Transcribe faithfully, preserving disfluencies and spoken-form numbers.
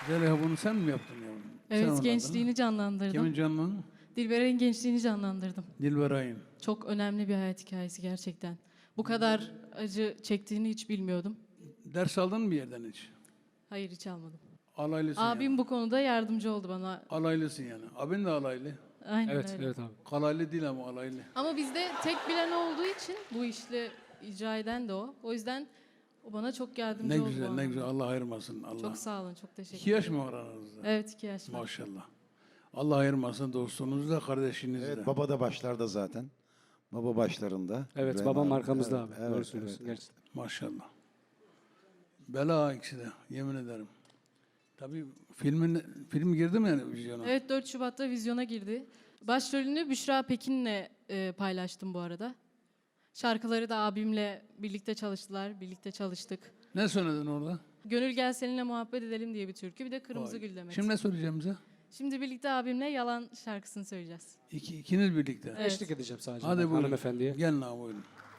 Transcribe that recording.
Zeliha bunu sen mi yaptın yavrum? Evet, Sen gençliğini canlandırdım. Kimin canını? Dilberay'ın gençliğini canlandırdım. Dilberay'ın. Çok önemli bir hayat hikayesi gerçekten. Bu kadar acı çektiğini hiç bilmiyordum. Ders aldın mı bir yerden hiç? Hayır, hiç almadım. Alaylısın Abim yani. bu konuda yardımcı oldu bana. Alaylısın yani. Abin de alaylı. Aynen Evet, öyle. evet abi. Kalaylı değil ama alaylı. Ama bizde tek bilen olduğu için bu işle icra eden de o. O yüzden o bana çok yardımcı Ne oldu. bu güzel, ne anlamda. güzel. Allah ayırmasın. Allah. Çok sağ olun, çok teşekkür İki yaş mı var aranızda? Evet, iki yaş var. Maşallah. Allah ayırmasın dostunuz da, kardeşiniz de. Evet, baba da başlarda zaten. Baba başlarında. Evet, İbrahim babam abi. arkamızda Evet, abi. evet, Doğru söylüyorsun evet. gerçekten. Maşallah. Bela ikisi de, yemin ederim. Tabii filmin film girdi mi yani vizyona? Evet, dört Şubat'ta vizyona girdi. Başrolünü Büşra Pekin'le e, paylaştım bu arada. Şarkıları da abimle birlikte çalıştılar, birlikte çalıştık. Ne söyledin orada? Gönül gel seninle muhabbet edelim diye bir türkü, bir de Kırmızı Vay. Gül demek. Şimdi ne söyleyeceğim bize? Şimdi birlikte abimle Yalan şarkısını söyleyeceğiz. İki, ikiniz birlikte. Evet. Eşlik edeceğim sadece Hadi ben buyurun. hanımefendiye. Gelin abi buyurun.